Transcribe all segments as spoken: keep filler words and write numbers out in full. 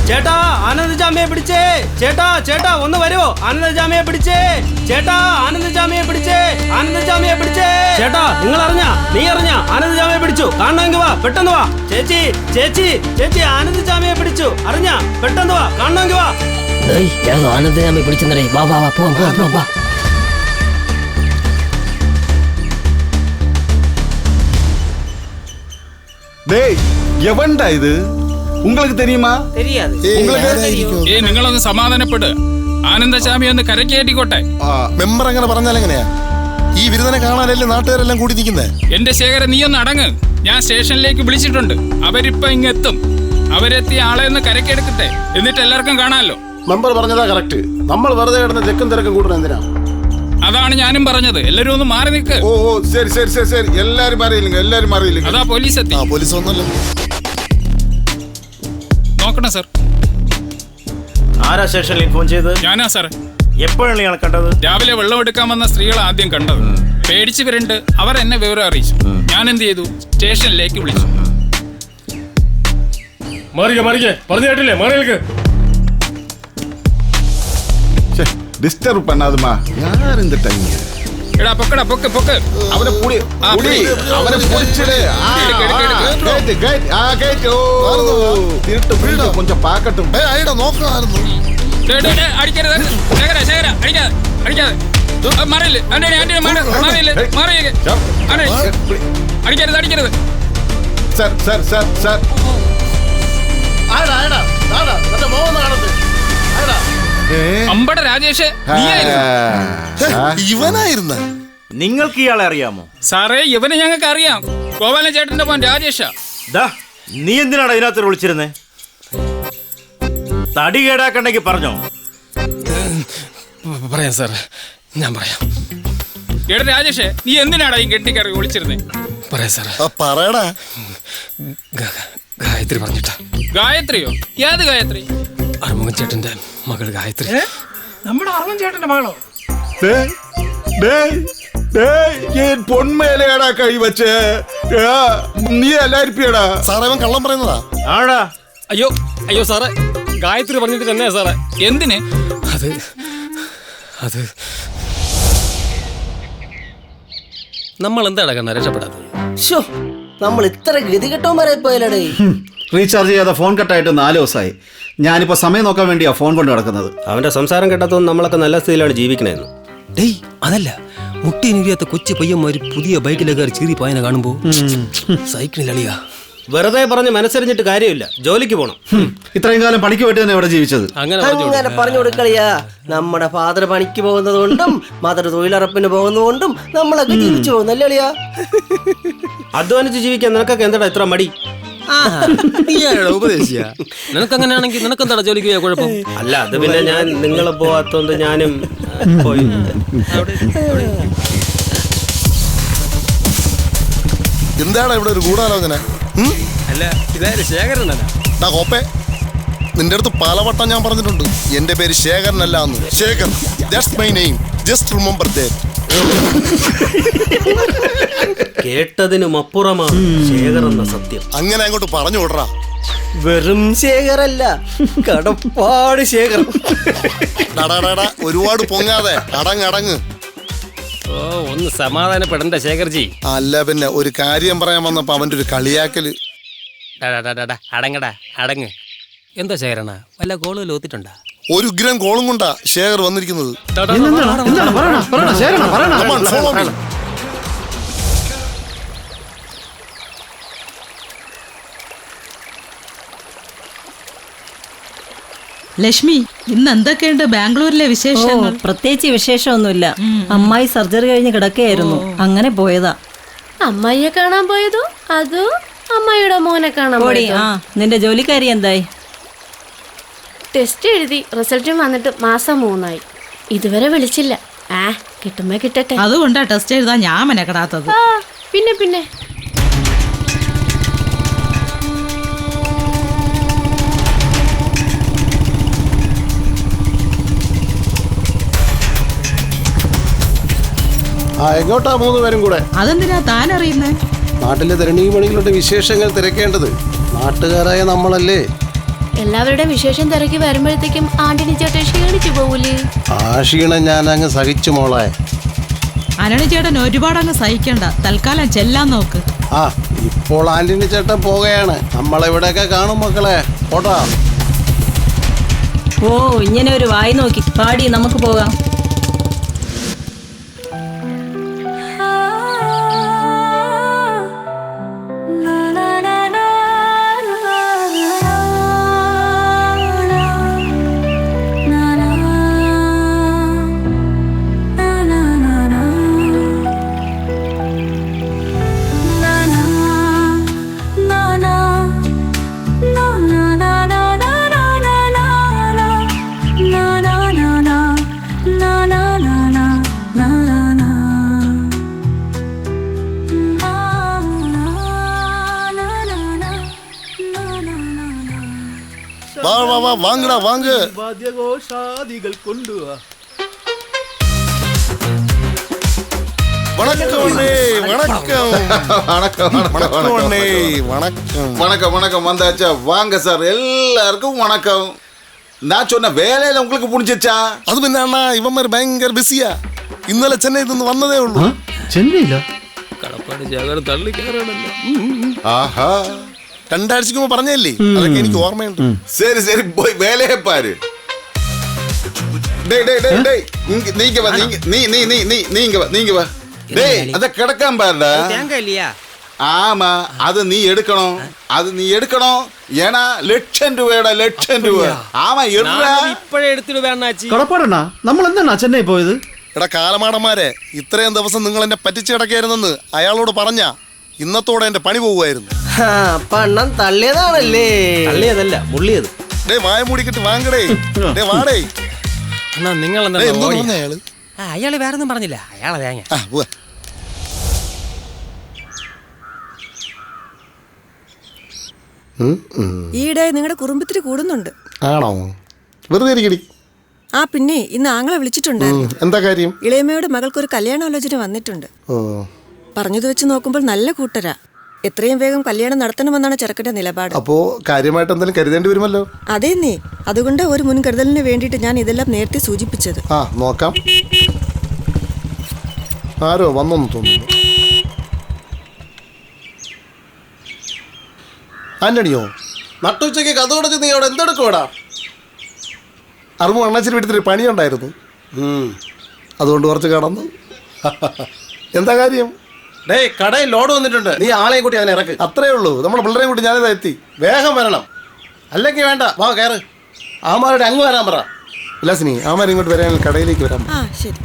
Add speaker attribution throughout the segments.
Speaker 1: ചേട്ടാ ആനന്ദജാമിയെ പിടിച്ചേ. ചേട്ടാ ചേട്ടാ ഒന്ന് വരുവോ? ആനന്ദജാമിയെ പിടിച്ചേ. ചേട്ടാ ആനന്ദജാമിയെ പിടിച്ചേ. ആനന്ദജാമിയെ പിടിച്ചേ. ചേട്ടാ നിങ്ങൾ അറിഞ്ഞാ? നീ അറിഞ്ഞാ? ആനന്ദജാമിയെ പിടിച്ചു. കാണണമെങ്കിൽ വാ, പെട്ടെന്ന് വാ. ചേച്ചി ചേച്ചി ചേച്ചി ആനന്ദജാമിയെ പിടിച്ചു. അറിഞ്ഞാ? പെട്ടെന്ന് വാ, കാണണമെങ്കിൽ വാ.
Speaker 2: ആനന്ദജാമിയെ പിടിച്ചെന്നേ. വാ വാ വാ, പോവാം പോവാം പോവാം വാ.
Speaker 3: டேய் எவன்டா இது? உங்களுக்கு தெரியுமா?
Speaker 1: தெரியாது.
Speaker 4: ഏയ് നിങ്ങളൊന്ന് സമാധാനപ്പെട്. ആനന്ദജാമി ഒന്ന് കരക്കേറ്റിക്കോട്ടെ.
Speaker 5: മെമ്പർ അങ്ങനെ പറഞ്ഞാൽ എങ്ങനെയാ? ഈ വിരുദ്ധനെ കാണാനല്ലേ നാട്ടുകാരെല്ലാം കൂടി നിൽക്കുന്നേ.
Speaker 4: എന്റെ ശേഖരൻ, നീ ഒന്ന് അടങ്ങ്. ഞാൻ സ്റ്റേഷനിലേക്ക് വിളിച്ചിട്ടുണ്ട്. അവരിപ്പോ ഇങ്ങെത്തും. അവരെത്തിയ ആളെ ഒന്ന് കരക്കെടുക്കട്ടെ, എന്നിട്ട് എല്ലാവർക്കും കാണാമല്ലോ.
Speaker 6: മെമ്പർ പറഞ്ഞതാ കറക്റ്റ്. നമ്മൾ വെറുതെ കിടന്ന് ചെക്കും തിരക്കും കൂട്ടണം എന്തിനാ?
Speaker 4: അതാണ് ഞാനും പറഞ്ഞത്. എല്ലാരും ഒന്ന് മാറി നിൽക്ക്.
Speaker 3: ഓ ഓ ശരി ശരി ശരി ശരി എല്ലാരും മാറിയില്ലെങ്കിൽ എല്ലാരും മാറിയില്ലെങ്കിൽ.
Speaker 4: അതാ പോലീസ് എത്തി.
Speaker 5: പോലീസ് ഒന്നല്ലോ.
Speaker 4: നോക്കണം സാർ.
Speaker 7: ആരാ സ്റ്റേഷനിൽ ഫോൺ ചെയ്ത്?
Speaker 4: ഞാനാ സാർ.
Speaker 7: എപ്പോഴാണ് ഇയാൾ കണ്ടത്?
Speaker 4: രാവിലെ വെള്ളം എടുക്കാൻ വന്ന സ്ത്രീകൾ ആദ്യം കണ്ടത്. പേടിച്ച് വരണ്ട് അവർ എന്നെ വിവരം അറിയിച്ചു. ഞാൻ എന്ത് ചെയ്തു? സ്റ്റേഷനിലേക്ക് വിളിച്ചു.
Speaker 8: മാറിക്കേ മാറിക്കേ, പറഞ്ഞു കേട്ടില്ലേ? മാറിയേക്ക്.
Speaker 3: டிஸ்டர்ப் பண்ணாதமா. யார் இந்த டைம்?
Speaker 4: എടാ പൊക്കടാ, പൊക്ക് പൊക്ക്.
Speaker 3: அவனை புடி புடி அவனை புடிச்சிடு. ஆ கேட் கேட் ஆ கேட். ஓ திருட்டு வீடு கொஞ்சம் பார்க்கட்டும்.
Speaker 5: ഏയ് അയ്യടാ നോക്കണമായിരുന്നു.
Speaker 4: ഡേ ഡേ ഡേ അടിക്കരുത്. ശേഖര ശേഖര അടിക്കാതെ അടിക്കാതെ. മാറിയില്ലേ? ആന്റണി ആന്റണി മാറിയില്ലേ? മാറിയേക്ക്. ആന്റണി അടിക്കരുത് അടിക്കരുത്.
Speaker 3: സർ സർ സർ സർ
Speaker 6: ആടാ ആടാ ആടാ മറ്റേ മോഹൻ കാണുന്നത്. ആടാ
Speaker 4: അമ്പട രാജേഷ്,
Speaker 5: ഇവനായിരുന്ന?
Speaker 7: നിങ്ങൾക്ക് ഇയാളെ അറിയാമോ?
Speaker 4: സാറേ, ഇവനെ ഞങ്ങൾക്ക് അറിയാം. ഗോപാലൻ ചേട്ടന്റെ മോൻ രാജേഷാ.
Speaker 7: ദാ നീ എന്തിനാണ് ഇതിനകത്ത് വിളിച്ചിരുന്നേ? തടി കേടാക്കണ്ടെങ്കിൽ പറഞ്ഞോ.
Speaker 8: പറയാം സാർ, ഞാൻ പറയാം.
Speaker 4: എടാ രാജേഷ്, നീ എന്തിനാടാ ഈ കെട്ടിക്കറി വിളിച്ചിരുന്നേ?
Speaker 8: പറയാം സാർ.
Speaker 5: പറയടാ.
Speaker 8: ഗായത്രി പറഞ്ഞിട്ടാ.
Speaker 4: ഗായത്രിയോ? ഏത് ഗായത്രി?
Speaker 8: അറുമുഖൻ ചേട്ടന്റെ മകൾ ഗായത്രി.
Speaker 4: നമ്മുടെ അറുമുഖൻ ചേട്ടന്റെ മകളോ?
Speaker 3: டேய் டேய் டேய் ஏன் பொன் மேலேடா கை வச்சே? നീ അല്ലായിരിപ്പിയടാ.
Speaker 5: സാറേ അവൻ കള്ളം പറയുന്നതാ.
Speaker 7: ആടാ.
Speaker 8: അയ്യോ അയ്യോ സാറേ, ഗായത്രി പറഞ്ഞിട്ട് തന്നെയാ സാറേ.
Speaker 4: എന്തിന്?
Speaker 8: അത് അത് നമ്മൾ എന്താ കണ്ണ രക്ഷപ്പെടാത്തത്?
Speaker 2: ശോ, നമ്മൾ ഇത്ര ഗതികെട്ടവന്മാരായി പോയാലേ.
Speaker 9: റീചാർജ് ചെയ്യാതെ ഫോൺ കട്ടായിട്ട് നാല് ദിവസമായി. ഞാനിപ്പോൾ സമയം നോക്കാൻ വേണ്ടിയാ ഫോൺ കൊണ്ട് നടക്കുന്നത്.
Speaker 1: അവന്റെ സംസാരം കേട്ടാത്തോണ്ട് നമ്മളൊക്കെ നല്ല സ്ഥിതിയിലാണ് ജീവിക്കണേന്ന്.
Speaker 8: ഡേയ് അതല്ല, മുട്ടിനുരിയാത്ത കൊച്ചു പയ്യന്മാര് പുതിയ ബൈക്കിലൊക്കെ ചീറി പോയനെ കാണുമ്പോ സൈക്കിളിലളിയാ.
Speaker 1: വെറുതെ പറഞ്ഞ് മനസ്സറിഞ്ഞിട്ട് കാര്യമില്ല. ജോലിക്ക് പോണം.
Speaker 9: ഇത്രയും കാലം പണിക്ക് പോയിട്ട് തന്നെ ഇവിടെ ജീവിച്ചത്.
Speaker 2: അങ്ങനെ പറഞ്ഞു കൊടുക്കളിയാ. നമ്മുടെ ഫാദർ പണിക്ക് പോകുന്നത് കൊണ്ടും മദർ തൊഴിലുറപ്പിന് പോകുന്നതുകൊണ്ടും നമ്മളൊക്കെ ജീവിച്ചു പോകുന്നല്ലേ അളിയാ.
Speaker 1: അധ്വാനിച്ച് ജീവിക്കാൻ നിനക്കൊക്കെ എന്താ ഇത്ര മടി?
Speaker 8: ഉപദേശിയ നിനക്ക് അങ്ങനെയാണെങ്കിൽ നിനക്കെന്താ ജോലിക്ക് പോയാ കുഴപ്പം?
Speaker 1: അല്ല, അത് പിന്നെ ഞാൻ നിങ്ങളെ പോവാത്തോണ്ട് ഞാനും പോയി.
Speaker 5: എന്താടാ ഇവിടെ ഒരു ഗൂഢാലോചന?
Speaker 8: അല്ല, ഇതായാലും ശേഖരനല്ല.
Speaker 5: കോപ്പേ, നിന്റെ അടുത്ത് പലവട്ടം ഞാൻ പറഞ്ഞിട്ടുണ്ട് എന്റെ പേര് ശേഖരനല്ല എന്ന്. Shekhar, that's my name. Just remember that.
Speaker 1: കേട്ടതിനും അപ്പുറമാണ് ശേഖർ എന്ന സത്യം.
Speaker 5: അങ്ങനെ അങ്ങോട്ട് പറഞ്ഞു വിടറാ.
Speaker 2: വെറും ശേഖരല്ല, കടപ്പാട് ശേഖർ.
Speaker 5: ഡാടാ ഒരുപാട് പൊങ്ങാതെ അടങ്ങ് അടങ്ങ്.
Speaker 8: ഓ, ഒന്ന് സമാധാനപ്പെടണ്ട ശേഖർജി.
Speaker 5: അല്ല പിന്നെ ഒരു കാര്യം പറയാൻ വന്നപ്പോ അവന്റെ ഒരു കളിയാക്കല്.
Speaker 8: അടങ്ങടാ അടങ്ങ്. എന്താ ശേഖരണ, വല്ല കോളുകൾ ഒത്തിട്ടുണ്ടാ?
Speaker 5: ഒരു ഉഗ്രം കോളും കൊണ്ടാ ശേഖർ വന്നിരിക്കുന്നത്.
Speaker 10: ലക്ഷ്മി, ഇന്ന് എന്തൊക്കെയുണ്ട് ബാംഗ്ലൂരിലെ വിശേഷങ്ങൾ?
Speaker 11: പ്രത്യേകിച്ച് വിശേഷമൊന്നുമില്ല. അമ്മായി സർജറി കഴിഞ്ഞ് കിടക്കുകയായിരുന്നു, അങ്ങനെ പോയതാ.
Speaker 12: അമ്മായിയെ കാണാൻ പോയതോ അതോ അമ്മായിയുടെ മോനെ കാണാൻ പോയതോ?
Speaker 11: ആ, നിന്റെ ജോലിക്കാരി എന്തായി?
Speaker 12: ടെസ്റ്റ് എഴുതി റിസൾട്ടും വന്നിട്ട് മാസം മൂന്നായി. ഇതുവരെ വിളിച്ചില്ല. ആ കിട്ടുമ്പോ കിട്ടട്ടെ.
Speaker 10: അതുകൊണ്ടാ ടെസ്റ്റ് എഴുതാൻ ഞാൻ മെനക്കെടാത്തത്.
Speaker 12: പിന്നെ പിന്നെ
Speaker 6: ആ എങ്ങോട്ടാ മൂന്ന് പേരും കൂടെ?
Speaker 10: അതെന്തിനാ താൻ അറിയുന്നേ?
Speaker 6: നാട്ടിലെ തരണീമണികളുടെ വിശേഷങ്ങൾ തിരക്കേണ്ടത് നാട്ടുകാരായ നമ്മളല്ലേ.
Speaker 12: എല്ലാവരുടെയും വിശേഷം തിരക്കി വരുമ്പോഴത്തേക്കും ആന്റണി ചേട്ടൻ ക്ഷീണിച്ചു പോകൂലേ?
Speaker 6: ആ ക്ഷീണം ഞാൻ അങ്ങ് സഹിച്ചു മോളെ.
Speaker 10: ആന്റണി ചേട്ടൻ ഒരുപാട് അങ്ങ് സഹിക്കണ്ട, തൽക്കാലം ചെല്ലാൻ നോക്ക്.
Speaker 6: ആ ഇപ്പോൾ ആന്റണി ചേട്ടൻ പോവുകയാണ്. നമ്മളെവിടെയൊക്കെ കാണും മക്കളെ. ഓട്ടാ.
Speaker 11: ഓ ഇങ്ങനെ ഒരു വായി നോക്കി പാടി നമുക്ക് പോകാം.
Speaker 5: വാ വാ വാ വാങ്ങടാ വാങ്ങ്.
Speaker 1: വാദ്യഘോഷാദികൾ കൊണ്ടുവാ.
Speaker 5: വണക്കം അണ്ണേ, വണക്കം.
Speaker 3: வணக்கம்
Speaker 5: வணக்கம் அண்ணே, வணக்கம்.
Speaker 3: வணக்கம் வணக்கம் வந்தாச்சா? வாங்க சார், எல்லாருக்கும் வணக்கம். நான் சொன்ன வேலையில உங்களுக்கு புடிச்சிச்சா?
Speaker 5: അത് പിന്നെ അണ്ണാ ഇവന്മാർ ഭയങ്കര ബിസിയാ. ഇന്നലെ ചെന്നൈയിൽ നിന്ന് വന്നതേ ഉള്ളൂ.
Speaker 9: ചെന്നൈയില്ല
Speaker 8: കടപ്പാട് ജാഗരം തള്ളി കയറാണല്ലോ.
Speaker 3: ஆஹா,
Speaker 5: രണ്ടാഴ്ചക്ക് മുമ്പ് പറഞ്ഞല്ലേ, അതൊക്കെ എനിക്ക് ഓർമ്മയുണ്ട്.
Speaker 3: சரி சரி போய் வேலையை பாரு. டேய் டேய் டேய் டேய் இங்க நீங்க வா, நீங்க நீ நீ நீ நீ நீங்க வா, நீங்க வா. டேய் அத கிடக்காம பாருடா.
Speaker 2: தேங்காய் இல்லையா?
Speaker 3: ஆமா, அது நீ எடுக்கணும், அது நீ எடுக்கணும். ஏன்னா லட்சம் രൂപയുടെ ലക്ഷം രൂപ. ആമാ എടാ
Speaker 2: ഇപ്പോഴേ എടുത്തിട്ട് വേണാച്ചി.
Speaker 9: കടപ്പാടണ്ണ നമ്മൾ എന്താണ് ചെന്നൈ പോയത്?
Speaker 5: എടാ കാലമാടന്മാരെ, ഇത്രയും ദിവസം നിങ്ങൾ എന്നെ പറ്റിച്ച് കിടക്കായിരുന്നെന്ന് അയാളോട് പറഞ്ഞ ഇന്നത്തോടെ എന്റെ പണി പോകുമായിരുന്നു.
Speaker 2: പണം തള്ളിയതാണല്ലേ?
Speaker 1: തള്ളിയതല്ല, മുള്ളിയത്.
Speaker 5: ഡേ വായ മൂടിക്കിട്ട് വാങ്ങടേ. ഡേ വാടേ.
Speaker 2: നിങ്ങൾ
Speaker 5: ഡേയ്, എന്തോ പറഞ്ഞ അയാള്?
Speaker 2: അയാള് വേറൊന്നും പറഞ്ഞില്ല, അയാളെ തേങ്ങ.
Speaker 5: ആ പോവാ.
Speaker 11: ഈയിടെ നിങ്ങളുടെ കുറുമ്പത്തിരി കൂടുന്നുണ്ട്.
Speaker 5: ആണോ? വെറുതെ ഇരിക്കടി.
Speaker 11: ആ പിന്നെ ഇന്ന് ആങ്ങളെ വിളിച്ചിട്ടുണ്ടായിരുന്നു.
Speaker 5: എന്താ കാര്യം?
Speaker 11: ഇളയമ്മയുടെ മകൾക്കൊരു കല്യാണാലോചന വന്നിട്ടുണ്ട്.
Speaker 5: ഓ,
Speaker 11: പറഞ്ഞത് വെച്ച് നോക്കുമ്പോൾ നല്ല കൂട്ടരാ. എത്രയും വേഗം കല്യാണം നടത്തണമെന്നാണ് ചെറുക്കന്റെ നിലപാട്.
Speaker 5: അപ്പോ കാര്യമായിട്ട് എന്തെങ്കിലും കരുതേണ്ടി വരുമല്ലോ.
Speaker 11: അതേ നീ അതുകൊണ്ട് ഒരു മുൻകരുതലിന് വേണ്ടിയിട്ട് ഞാൻ ഇതെല്ലാം നേരത്തെ സൂചിപ്പിച്ചത്.
Speaker 5: ആ നോക്കാം. ആരോ വന്നൊന്നു തോന്നുന്നു. ആന്റണിയോ?
Speaker 6: നട്ടുച്ചയ്ക്ക് കഥ കൊടുത്ത് നീ അവിടെ എന്തെടുക്കോടാ?
Speaker 5: അറുപത് അണ്ണാച്ചിരി വീട്ടിൽ പണിയുണ്ടായിരുന്നു, അതുകൊണ്ട് കുറച്ച് കടന്നു. എന്താ കാര്യം?
Speaker 6: ഡേയ് കടയിൽ ലോഡ് വന്നിട്ടുണ്ട്, നീ ആളെയും കൂട്ടി അതിനെ ഇറക്ക്.
Speaker 5: അത്രേ ഉള്ളൂ. നമ്മുടെ പിള്ളേരെയും കൂട്ടി ഞാനിതാ എത്തി.
Speaker 6: വേഗം വരണം, അല്ലെങ്കിൽ വേണ്ട. വാ കയറ്. ആമാരുടെ അങ്ങ് വരാൻ പറ.
Speaker 5: വിലാസിനി, ആമാർ ഇങ്ങോട്ട് വരാൻ കടയിലേക്ക് വരാം.
Speaker 11: ആ ശരി.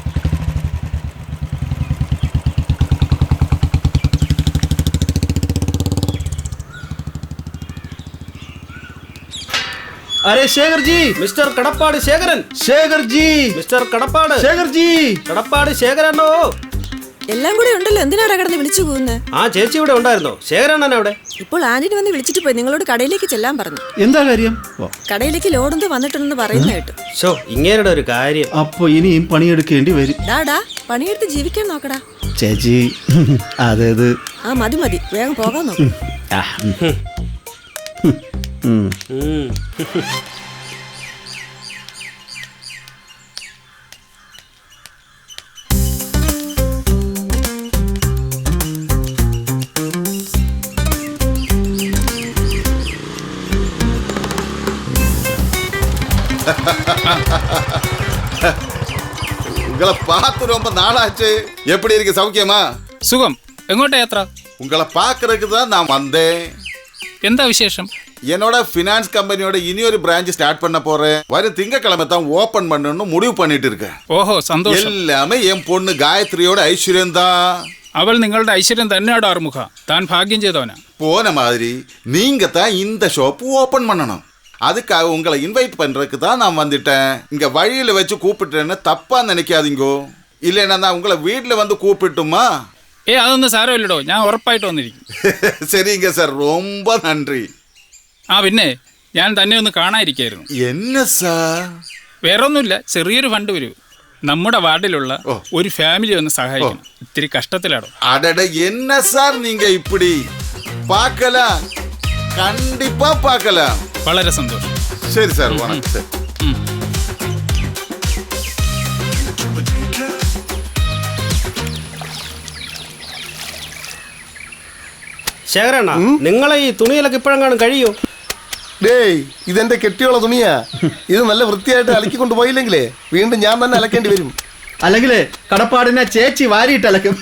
Speaker 1: अरे शेखर जी, मिस्टर കടപ്പാട് ശേഖരൻ.
Speaker 9: ശേഖർ ജി,
Speaker 1: മിസ്റ്റർ കടപ്പാട്
Speaker 9: ശേഖർ ജി,
Speaker 1: കടപ്പാട് ശേഖരനോ?
Speaker 11: എല്ലാം കൂടെ ഉണ്ടല്ലോ, എന്തിനാടാ കിടന്ന് വിളിച്ചു പോകുന്നത്?
Speaker 1: ആ ചേച്ചി ഇവിടെ ഉണ്ടായിരുന്നോ? ശേഖരണ്ണൻ അവിടെ?
Speaker 11: ഇപ്പോൾ ആന്റണി വന്ന് വിളിച്ചിട്ട് പോയി. നിങ്ങളോട് കടയിലേക്ക് ചെല്ലാൻ പറഞ്ഞു.
Speaker 9: എന്താ കാര്യം?
Speaker 11: കടയിലേക്ക് ലോഡെന്തോ വന്നിട്ടുണ്ടെന്ന് പറയുന്ന കേട്ടു.
Speaker 1: ഷോ, ഇങ്ങേരുടെ ഒരു കാര്യം.
Speaker 9: അപ്പൊ ഇനിയും പണിയെടുക്കേണ്ടി വരും.
Speaker 11: ഡാടാ പണിയെടുത്ത് ജീവിക്കാൻ നോക്കടാ.
Speaker 9: ചേച്ചി അതേത്?
Speaker 11: ആ മതി മതി, വേഗം പോകാൻ നോക്ക്.
Speaker 1: ഉം.
Speaker 3: உங்களை பார்த்து ரொம்ப நாளாச்சு. எப்படி இருக்கு, சௌக்கியமா?
Speaker 4: സുഖം. എങ്ങോട്ടാ യാത്ര?
Speaker 3: உங்களை பார்க்கறதுக்கு தான் நான் வந்தேன்.
Speaker 4: എന്താ വിശേഷം?
Speaker 3: என்னோட ஃபினான்ஸ் கம்பெனியோட இனி ஒரு பிரான்ச் ஸ்டார்ட் பண்ண போறேன். வரும் திங்கக்கிழமை தான் ஓபன் பண்ணணும்னு முடிவு பண்ணிட்டு இருக்கேன்.
Speaker 4: ഓഹോ സന്തോഷം.
Speaker 3: எல்லாமே என் பொண்ணு காயத்ரியோட ஐஸ்வர்யம் தான்.
Speaker 4: അവൾ നിങ്ങളുടെ ഐശ്വര്യം തന്നെയാണ് ആറുമുഖ. താൻ ഭാഗ്യം ചെയ്തവനാ.
Speaker 3: போன மாதிரி நீங்க தான் இந்த ஷாப் ஓபன் பண்ணணும். அதுக்காக உங்களை இன்வைட் பண்றதுக்கு தான் நான் வந்துட்டேன். இங்க வழியில வச்சு கூப்பிட்டேன்னு தப்பா நினைக்காதீங்கோ. இல்லைன்னா நான் உங்களை வீட்டுல வந்து கூப்பிட்டுமா?
Speaker 4: ഏ അതൊന്നും സാരമില്ലടോ, ഞാൻ ഉറപ്പായിട്ട് വന്നിരിക്കും.
Speaker 3: சரிங்க சார், ரொம்ப நன்றி.
Speaker 4: ആ പിന്നെ ഞാൻ തന്നെ ഒന്ന് കാണാതിരിക്കായിരുന്നു.
Speaker 3: என்ன சார்?
Speaker 4: വേറെ ഒന്നുമില്ല, ചെറിയൊരു ഫണ്ട് വരൂ. നമ്മുടെ വാർഡിലുള്ള ഒരു ഫാമിലി ഒന്ന് സഹായിക്കണം. ഇത്തിരി കഷ്ടത്തിലാണോ.
Speaker 3: அடட, என்ன சார் நீங்க இப்படி? பார்க்கலாம், கண்டிப்பா பார்க்கலாம்.
Speaker 4: വളരെ സന്തോഷം.
Speaker 3: சரி சார் வணக்கம் சார்.
Speaker 1: ശേഖരണ്ണ നിങ്ങളെ ഈ തുണിയിലൊക്കെ ഇപ്പോഴെങ്ങാനും കഴിയോ?
Speaker 6: ഡേയ് ഇതെന്റെ കെട്ടിയുള്ള തുണിയാ. ഇത് നല്ല വൃത്തിയായിട്ട് അലക്കിക്കൊണ്ട് പോയില്ലെങ്കിലേ വീണ്ടും ഞാൻ തന്നെ അലക്കേണ്ടി വരും.
Speaker 9: അല്ലെങ്കിൽ കടപ്പാടിനെ ചേച്ചി വാരിയിട്ടലക്കും.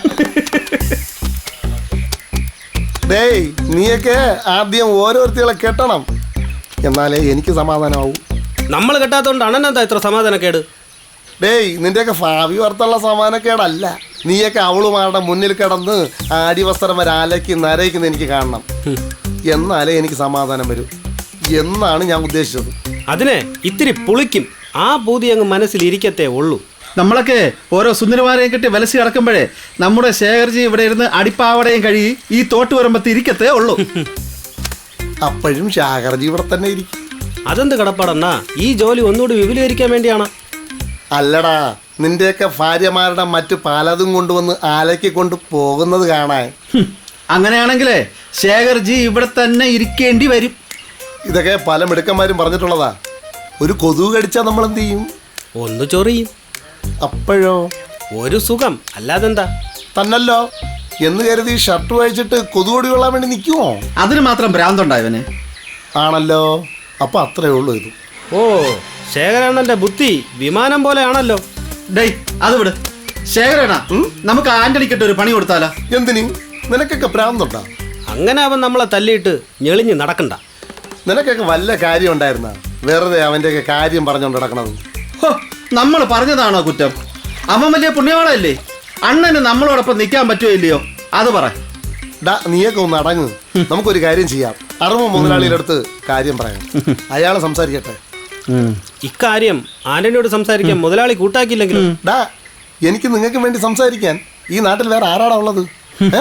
Speaker 6: ഡേയ് നീയൊക്കെ ആദ്യം ഓരോരുത്തരെ കെട്ടണം, എന്നാലേ എനിക്ക് സമാധാനമാവൂ.
Speaker 1: നമ്മൾ കെട്ടാത്തോണ്ട് അണ്ണനെന്താ ഇത്ര സമാധാനക്കേട്?
Speaker 6: ഡേയ് നിന്റെയൊക്കെ ഭാവി വാർത്തയുള്ള സമാധാനക്കേടല്ല. നീയൊക്കെ അവളുമാരുടെ മുന്നിൽ കിടന്ന് ആടിവസ്ത്രം വരെ അലക്കി നരയിക്കുന്ന എനിക്ക് കാണണം, എന്നാലേ എനിക്ക് സമാധാനം വരൂ എന്നാണ് ഞാൻ ഉദ്ദേശിച്ചത്.
Speaker 1: അതിനെ ഇത്തിരി പുളിക്കും, ആ പൂതി അങ്ങ് മനസ്സിൽ ഇരിക്കത്തേ ഉള്ളൂ.
Speaker 9: നമ്മളൊക്കെ ഓരോ സുന്ദരമാരെയും കെട്ടി വലസി കിടക്കുമ്പോഴേ നമ്മുടെ ശേഖർജി ഇവിടെ ഇരുന്ന് അടിപ്പാവടയും കഴുകി ഈ തോട്ട് വരുമ്പത്ത് ഇരിക്കത്തേ ഉള്ളൂ.
Speaker 6: അപ്പോഴും ശാകർജി ഇവിടെ തന്നെ ഇരിക്കും.
Speaker 1: അതെന്ത് കടപ്പാടെന്നാ? ഈ ജോലി ഒന്നുകൂടി വിപുലീകരിക്കാൻ വേണ്ടിയാണ്.
Speaker 6: അല്ലടാ, നിന്റെയൊക്കെ ഭാര്യമാരുടെ മറ്റു പലതും കൊണ്ടുവന്ന് ആലയ്ക്ക് കൊണ്ട് പോകുന്നത് കാണാൻ.
Speaker 9: അങ്ങനെയാണെങ്കിലേ ശേഖർജി ഇവിടെ തന്നെ ഇരിക്കേണ്ടി വരും.
Speaker 6: ഇതൊക്കെ പല മിടുക്കന്മാരും പറഞ്ഞിട്ടുള്ളതാ. ഒരു കൊതുക് കടിച്ചാൽ നമ്മൾ എന്ത് ചെയ്യും?
Speaker 1: ഒന്ന് ചൊറിയും.
Speaker 6: അപ്പോഴോ
Speaker 1: ഒരു സുഖം, അല്ലാതെന്താ?
Speaker 6: തന്നല്ലോ എന്ന് കരുതി ഷർട്ട് വായിച്ചിട്ട് കൊതുകൊടി കൊള്ളാൻ വേണ്ടി നിൽക്കുമോ?
Speaker 9: അതിന് മാത്രം ഭ്രാന്തുണ്ടായവന്.
Speaker 6: ആണല്ലോ, അപ്പൊ അത്രേ ഉള്ളൂ ഇത്.
Speaker 1: ഓ, ശേഖരണ്ണന്റെ ബുദ്ധി വിമാനം പോലെയാണല്ലോ.
Speaker 9: ഡേയ് അത് വിട്. ശേഖരണ്ണ, നമുക്ക് ആന്റണിക്കിട്ട് ഒരു പണി കൊടുത്താലോ?
Speaker 6: എന്തിന്? നിനക്കൊക്കെ ഭ്രാന്തുണ്ടാ?
Speaker 1: അങ്ങനെ അവൻ നമ്മളെ തല്ലിയിട്ട് ഞെളിഞ്ഞ് നടക്കണ്ട.
Speaker 6: നിനക്കൊക്കെ വല്ല കാര്യം ഉണ്ടായിരുന്ന വെറുതെ അവൻ്റെയൊക്കെ കാര്യം പറഞ്ഞുകൊണ്ട് നടക്കണത്.
Speaker 9: നമ്മൾ പറഞ്ഞതാണോ കുറ്റം? അവൻ വലിയ പുണ്യവാളല്ലേ? അണ്ണന് നമ്മളോടൊപ്പം നിൽക്കാൻ പറ്റുമോ ഇല്ലയോ അത് പറ.
Speaker 6: ഡാ നീയൊക്കെ ഒന്ന് അടങ്ങ്. നമുക്കൊരു കാര്യം ചെയ്യാം. അറുമ മുതലാളിയുടെ അടുത്ത് കാര്യം പറയാം, അയാളെ സംസാരിക്കട്ടെ.
Speaker 1: ഇക്കാര്യം ആന്റണിയോട് സംസാരിക്കാൻ മുതലാളി കൂട്ടാക്കിയില്ലെങ്കിലും
Speaker 6: ഡാ എനിക്ക് നിങ്ങൾക്ക് വേണ്ടി സംസാരിക്കാൻ ഈ നാട്ടിൽ വേറെ ആരാടാ ഉള്ളത്? ഏ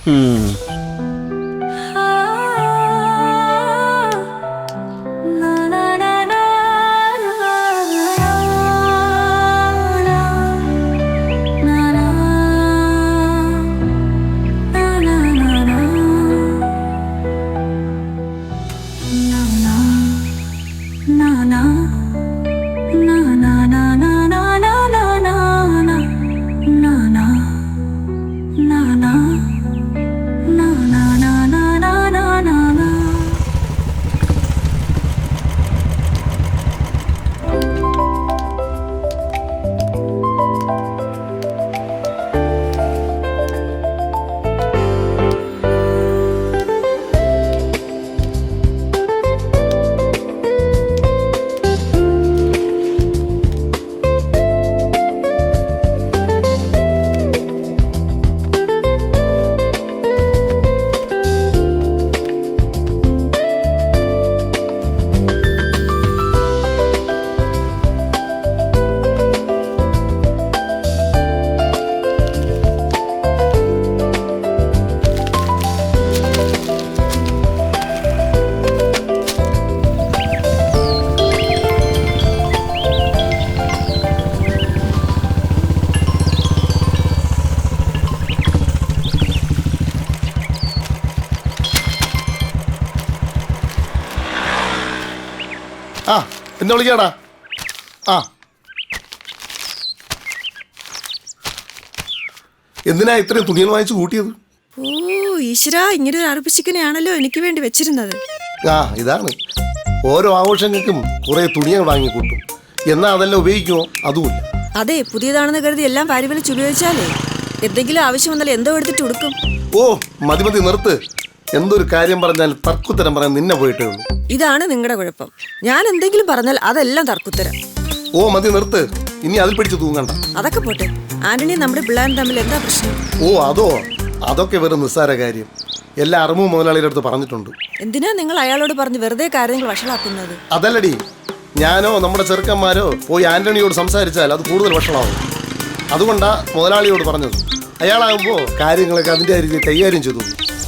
Speaker 6: ആ എന്നെ വിളിക്കാടാ. ആ എന്തിനാ ഇത്രയും തുണികൾ വാങ്ങിച്ചു കൂട്ടിയത്?
Speaker 11: ഓ ഈശ്വരാ, ഇങ്ങനെ ഒരു അറുപ്പിച്ചിക്കനെയാണല്ലോ എനിക്ക് വേണ്ടി വെച്ചിരുന്നത്.
Speaker 6: ആ ഇതാണ്, ഓരോ ആഘോഷങ്ങൾക്കും കുറെ തുണികൾ വാങ്ങിക്കൂട്ടും, എന്നാ അതെല്ലാം ഉപയോഗിക്കുമോ? അതുമില്ല.
Speaker 11: അതെ, പുതിയതാണെന്ന് കരുതി എല്ലാം വാരിവലിച്ച് ഉപയോഗിച്ചാലേ എന്തെങ്കിലും ആവശ്യം വന്നാൽ എന്തോ എടുത്തിട്ട് കൊടുക്കും.
Speaker 6: ഓ മതി മതി നിർത്ത്. എന്തൊരു കാര്യം പറഞ്ഞാൽ തർക്കുത്തരം പറയാൻ നിന്നെ പോയിട്ടേ ഉള്ളൂ.
Speaker 11: ഇതാണ് നിങ്ങളുടെ കുഴപ്പം. ഞാൻ എന്തെങ്കിലും പറഞ്ഞാൽ അതെല്ലാം തർക്കുത്തരം.
Speaker 6: ഓ മതി നിർത്ത്, ഇനി അതിൽ പിടിച്ച് തൂങ്ങണ്ട.
Speaker 11: അതൊക്കെ പോട്ടെ, ആന്റണി നമ്മുടെ പിള്ളേരും തമ്മിൽ എന്താ പ്രശ്നം?
Speaker 6: ഓ അതോ, അതൊക്കെ വെറും നിസ്സാര കാര്യം. എല്ലാ അറിമു മുതലാളിയുടെ അടുത്ത് പറഞ്ഞിട്ടുണ്ട്.
Speaker 11: എന്തിനാ നിങ്ങൾ അയാളോട് പറഞ്ഞ് വെറുതെ കാര്യങ്ങൾ വഷളാക്കുന്നത്?
Speaker 6: അതല്ലടി, ഞാനോ നമ്മുടെ ചെറുക്കന്മാരോ പോയി ആന്റണിയോട് സംസാരിച്ചാൽ അത് കൂടുതൽ വഷളാവും. അതുകൊണ്ടാ മുതലാളിയോട് പറഞ്ഞത്. അയാളാകുമ്പോൾ കാര്യങ്ങളൊക്കെ അതിൻ്റെ രീതിയിൽ കൈകാര്യം ചെയ്തു.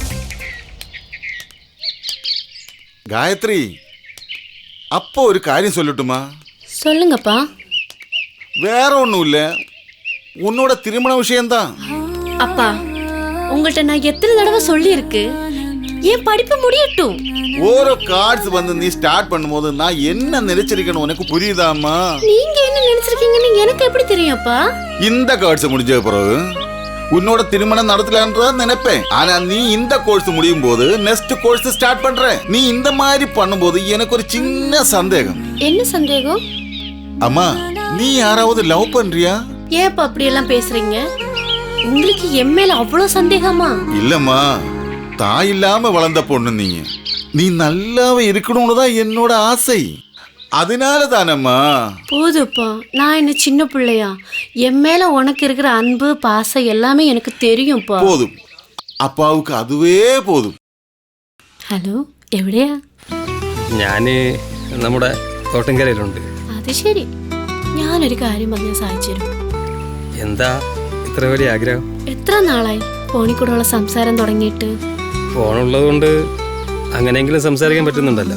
Speaker 3: காயத்ரி, அப்போ ஒரு காரியம் சொல்லட்டுமா?
Speaker 12: சொல்லுங்கப்பா.
Speaker 3: வேற ஒன்றும் இல்லை, உன்னோட திருமண விஷயம்தான்.
Speaker 12: அப்பா, உங்கள்கிட்ட நான் எத்தனை தடவை சொல்லியிருக்கு, என் படிப்பு முடியட்டும்.
Speaker 3: ஓரோ கார்ட்ஸ் வந்து நீ ஸ்டார்ட் பண்ணும்போது நான் என்ன நினைச்சிருக்கேன்னு உனக்கு புரியுதாமா?
Speaker 12: நீங்க என்ன நினைச்சிருக்கீங்கன்னு எனக்கு எப்படி தெரியும்ப்பா?
Speaker 3: இந்த கார்ட்ஸ் முடிஞ்ச பிறகு உன்னோட திருமணம் நடத்தலான்றத நினைப்பேன். ஆனா நீ இந்த கோர்ஸ் முடியும் போது நெக்ஸ்ட் கோர்ஸ் ஸ்டார்ட் பண்ற. நீ இந்த மாதிரி பண்ணும்போது எனக்கு ஒரு சின்ன சந்தேகம்.
Speaker 12: என்ன சந்தேகம்?
Speaker 3: அம்மா, நீ யாராவது லவ் பண்றியா?
Speaker 12: ஏப்பா அப்படி எல்லாம் பேசுறீங்க? உங்களுக்கு என் மேல அவ்வளவு சந்தேகமா?
Speaker 3: இல்லம்மா, தாய் இல்லாம வளர்ந்த பொண்ணு நீங்க. நீ நல்லாவே இருக்கணும்னு தான் என்னோட ஆசை. அதனால தானம்மா.
Speaker 12: போதுப்பா, நான் என்ன சின்ன பிள்ளையா? என் மேல உனக்கு இருக்கிற அன்பு பாசம் எல்லாமே எனக்கு தெரியும்ப்பா.
Speaker 3: போதும், അപ്പാവുക്ക് അതുവേ പോതും.
Speaker 12: ഹലോ, എവിടെയാ?
Speaker 8: ഞാന് നമ്മുടെ തോട്ടംകരയിലുണ്ട്.
Speaker 12: അത് ശരി, ഞാനൊരു കാര്യം പറഞ്ഞാൽ സാധിച്ചു തരും.
Speaker 8: എന്താ ഇത്ര വലിയ ആഗ്രഹം?
Speaker 12: എത്ര നാളായി ഫോണിൽ കൂടെയുള്ള സംസാരം തുടങ്ങിയിട്ട്?
Speaker 8: ഫോണുള്ളത് കൊണ്ട് അങ്ങനെയെങ്കിലും സംസാരിക്കാൻ പറ്റുന്നുണ്ടല്ലോ,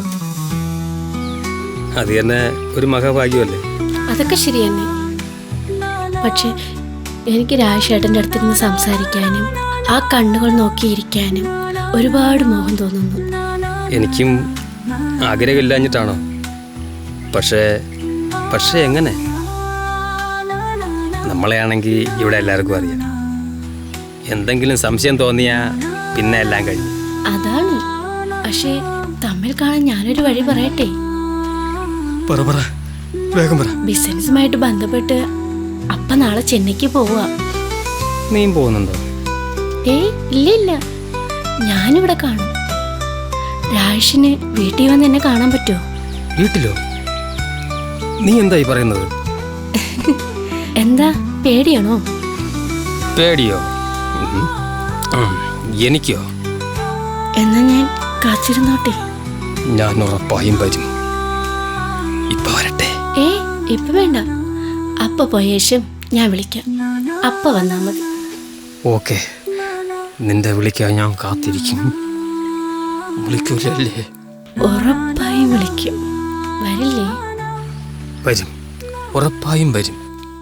Speaker 8: അത് തന്നെ ഒരു മഹാഭാഗ്യമല്ലേ?
Speaker 12: അതൊക്കെ ശരി തന്നെ. പക്ഷെ എനിക്ക് രാജേട്ടൻ്റെ അടുത്തിരുന്ന് സംസാരിക്കാനും ആ കണ്ണുകൾ നോക്കിയിരിക്കാനും ഒരുപാട് മോഹം തോന്നുന്നു.
Speaker 8: എനിക്കും ആഗ്രഹമില്ലാഞ്ഞിട്ടാണോ? പക്ഷേ പക്ഷേ എങ്ങനെ? നമ്മളെയാണെങ്കിൽ ഇവിടെ എല്ലാവർക്കും അറിയാം. എന്തെങ്കിലും സംശയം തോന്നിയാൽ പിന്നെ എല്ലാം കഴിഞ്ഞു.
Speaker 12: അതാണ്. പക്ഷേ തമ്മിൽ കാണാൻ ഞാനൊരു വഴി പറയട്ടെ? ബിസിനസ്സുമായിട്ട് ബന്ധപ്പെട്ട് അപ്പ നാളെ ചെന്നൈക്ക് പോവാ.
Speaker 8: നീ പോകുന്നുണ്ടോ?
Speaker 12: ഏ ഇല്ല ഇല്ല, ഞാനിവിടെ കാണും. രാജേഷിന് വീട്ടിൽ വന്ന് എന്നെ കാണാൻ പറ്റുമോ?
Speaker 8: വീട്ടിലോ? നീ എന്തായി പറയുന്നത്?
Speaker 12: എന്താ പേടിയാണോ?
Speaker 8: പേടിയോ? എനിക്കോ?
Speaker 12: എന്നാ ഞാൻ കാത്തിരുന്നോട്ടെ.
Speaker 8: ഞാൻ ഉറപ്പായും വരും. ഇപ്പൊ വരട്ടെ?
Speaker 12: ഏ ഇപ്പൊ വേണ്ട, അപ്പ പോയ ശേഷം ഞാൻ വിളിക്കാം. അപ്പ വന്നാ മതി.
Speaker 8: ഓക്കെ, നിന്റെ വിളിക്കാൻ ഞാൻ കാത്തിരിക്കും. വിളിക്കൂലല്ലേ?
Speaker 12: ഉറപ്പായും വിളിക്കും. വരില്ലേ?
Speaker 8: വരും, ഉറപ്പായും വരും.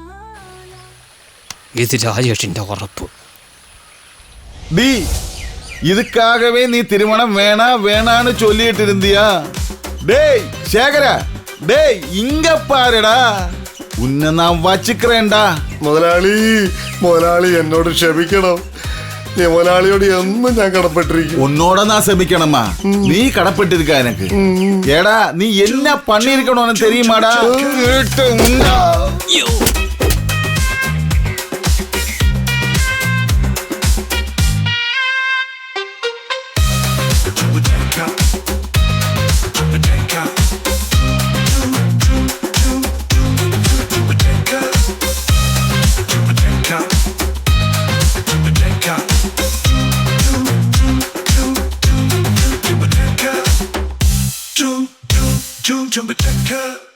Speaker 8: ഇത് രാജേഷിന്റെ ഉറപ്പ്.
Speaker 3: டி, இதுக்காகவே நீ திருமணம் வேணா வேணான்னு சொல்லிட்டு இருந்தியா? டேய் சேகரா, டேய் இங்க பாருடா, உன்னை நான் വച്ചിக்கிறேன்டா.
Speaker 6: മുതലാളി മുതലാളി എന്നോട് ക്ഷമിക്കണം. നീ മുതലാളിയോട് എന്നും ഞാൻ കടപ്പെട്ടിരിക്കും.
Speaker 3: உன்னோட நான் செமிக்கணுமா? நீ கடப்பட்டிருக்க எனக்கு. ஏடா நீ என்ன பண்ணிருக்கணும்னு தெரியுமாடா?
Speaker 13: Jump, jump, jump, jump,